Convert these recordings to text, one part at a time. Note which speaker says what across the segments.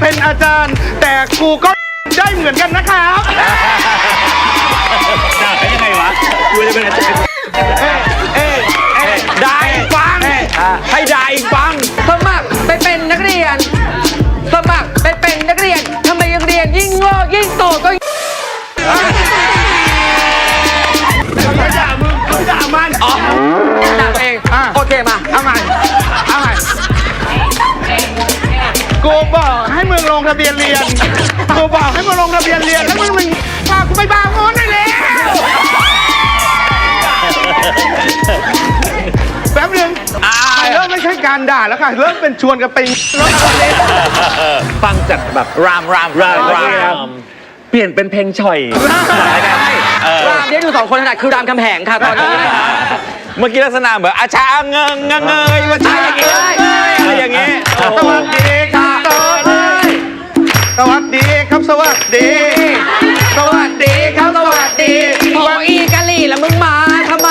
Speaker 1: เป็นอาจารย์แต่ครูก็ได้เหมือนกันนะครับ
Speaker 2: ได้ยังไงวะกูจะเป็นอาจารย์
Speaker 3: ได้ฟังให้ได้ฟังสมัครไปเป็นนักเรียนสมัครไปเป็นนักเรียนทำไมยังเรียนยิ่งโง่ยิ่งโตก็
Speaker 1: ด่ามึงด่ามัน
Speaker 3: ด่าเองโอเคมา
Speaker 1: เอาใหม่กูบอกให้มึงลงทะเบียนเรียนกูบอกให้มึงลงทะเบียนเรียนแล้วมึงพากูไปบางโง่ได้แล้วแป๊บนึงเริ่มไม่ใช่การด่าแล้วค่ะเริ่มเป็นชวนกันไปรถอะไร
Speaker 3: ฟังจากแบบรามเปลี่ยนเป็นเพลงฉ่อยรามที่ดูสองคนถนัดคือรามคำแหงค่ะตอนนี้เมื่อกี้ลักษณะเหมือนอาชาเงยมาใช่อะไรอย่างเงี้ย
Speaker 1: สวัสดีครับสวัสดีครับสวัสดีสวัสดีครับสวัสดี
Speaker 3: โอ้อีกะลี่แล้วมึงมาทำไม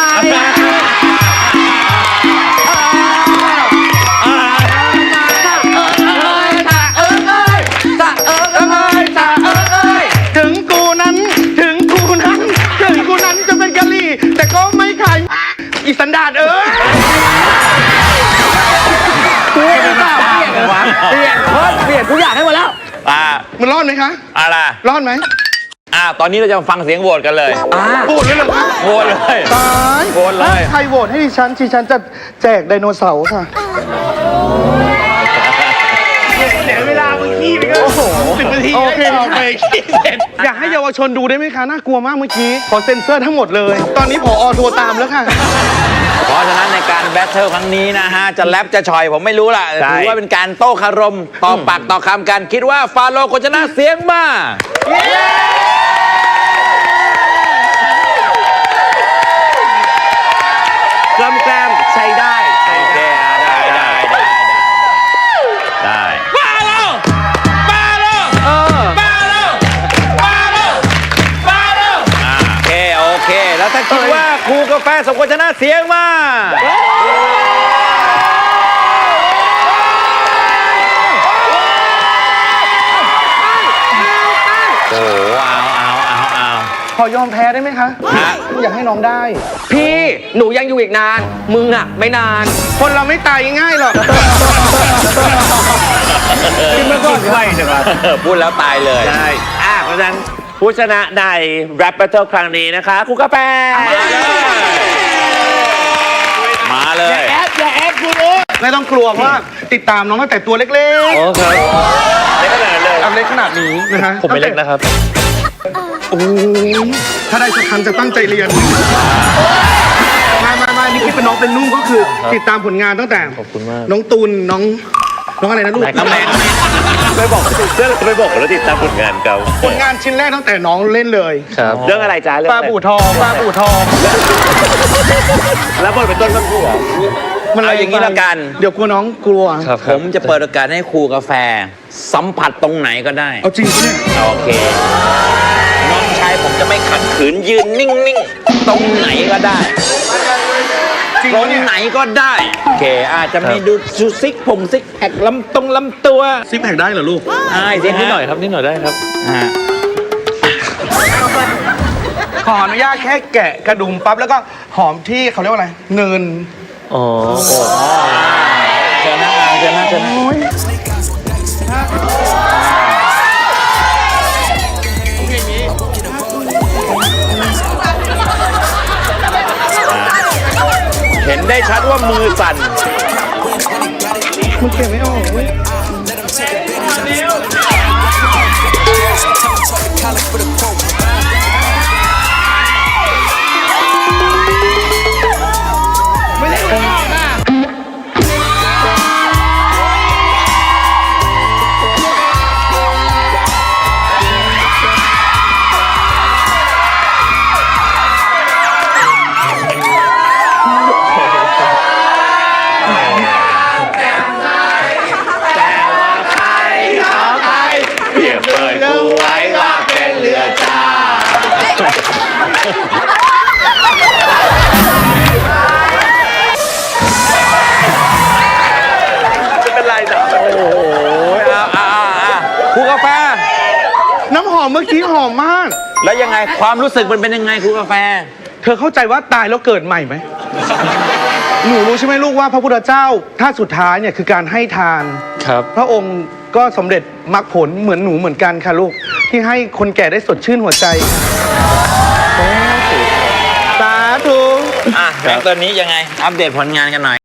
Speaker 1: ถึงกูนั้นจะเป็นกะลี่แต่ก็ไม่ขายอีสันดาน
Speaker 3: เปลี่ยนทุกอย่างให้หมดแล้ว
Speaker 1: มันรอดไหมคะ
Speaker 3: อะไร
Speaker 1: รอดไหม
Speaker 3: ตอนนี้เราจะมาฟังเสียงโหวตกันเลย
Speaker 1: โหวตเลยเหรอคะ
Speaker 3: โหวตเลย
Speaker 1: ตาย
Speaker 3: โหวตเลย
Speaker 1: ใครโหวตให้ดิฉันจะแจกไดโนเสาร์ค่ะเดี๋ยวเวลาเมื่อกี้ไปก็10 นาทีโอเคอยากให้เยาวชนดูได้ไหมคะน่ากลัวมากเมื่อกี้ขอเซ็นเซอร์ทั้งหมดเลยตอนนี้ผอ.โทรตามแล้วค่ะ
Speaker 3: เพราะฉะนั้นในการแบทเทิลครั้งนี้นะฮะจะแรปจะชอยผมไม่รู้ล่ะถือว่าเป็นการโต้คารมต่อปากต่อคำกันคิดว่าฟาโรห์ควรชนะเสียงมา
Speaker 2: กล้ำแกล้มใช้ได้
Speaker 3: ได้ฟาโรห์โอเคแล้วถ้าคิดว่าครูกาแฟสมควรชนะเสียงมาโอ้เอา
Speaker 1: ขอยอมแพ้ได้ไหมคะอยากให้น้องได้
Speaker 3: พี่หนูยังอยู่อีกนานมึงอะไม่นาน
Speaker 1: คนเราไม่ตายง่ายหรอก
Speaker 2: กินมาก่อนไวจังวะ
Speaker 3: พูดแล้วตายเลย
Speaker 2: ใช่เพราะฉะนั้นผู้ชนะใน Rap Battle ครั้งนี้นะคะครูกาแฟ
Speaker 3: มาเลย
Speaker 1: อย่าแอบครูไม่ต้องกลัวเพราะติดตามน้องตั้งแต่ตัวเล็กๆ
Speaker 2: โอ้ครับเล็กขนาดเลย
Speaker 1: เล็กขนาดนี้นะฮะ
Speaker 2: ผมไม่เล็กนะครับ
Speaker 1: โอ้ถ้าได้สักครั้งจะตั้งใจเรียนมานี่คิดเป็นน้องเป็นนุ่งก็คือติดตามผลงานตั้งแต่น้องตูนน้องอะไรนะลูก
Speaker 3: น้องแมน
Speaker 2: ไม่บอกแล้วติดตามผลงานเขา
Speaker 1: ผลงานชิ้นแรกตั้งแต่น้องเล่นเลย
Speaker 2: ครับเรื่องอะไรจ้าเรื่อง
Speaker 1: ปลาบู่ทอง
Speaker 2: แล้วบทเป็นต้นกระพู้
Speaker 3: มันอะไรอย่างนี้ละกัน
Speaker 1: เดี๋ยวกลัวน้องกลัว
Speaker 3: ผมจะเปิดโอกาสให้ครูกาแฟสัมผัสตรงไหนก็ได้
Speaker 1: เอาจริงเนี่ย
Speaker 3: โอเคน้องชายผมจะไม่ขัดขืนยืนนิ่งๆตรงไหนก็ได้ตรงไหนก็ได้โอเคอาจจะมีดูซิกแพคลำตัว
Speaker 1: ซิกแพคได้เหรอลูก
Speaker 3: ได้
Speaker 2: นิดหน่อยครับนิดหน่อยได้ครับ
Speaker 1: ขออนุญาตแค่แกะกระดุมปั๊บแล้วก็หอมที่เขาเรียกว่าอะไรเนิน
Speaker 3: อ๋อเจอหน้าเห็นได้ชัดว่ามือสั่น
Speaker 1: มันเก็บไม่ออก
Speaker 3: ไม่เป็นไรจ้ะโอ้โห
Speaker 1: น้ำหอมเมื่อกี้หอมมาก
Speaker 3: แล้วยังไงความรู้สึกมันเป็นยังไงครูกาแฟ
Speaker 1: เธอเข้าใจว่าตายแล้วเกิดใหม่ไหม หนูรู้ใช่ไหมลูกว่าพระพุทธเจ้าท่าสุดท้ายเนี่ยคือการให้ทาน
Speaker 4: ครับ
Speaker 1: พระองค์ก็สำเร็จมรรคผลเหมือนหนูเหมือนกันค่ะลูก ที่ให้คนแก่ได้สดชื่นหัวใจ สาธุ
Speaker 3: อ่ะแบงค์ตัวนี้ยังไง อัปเดตผลงานกันหน่อย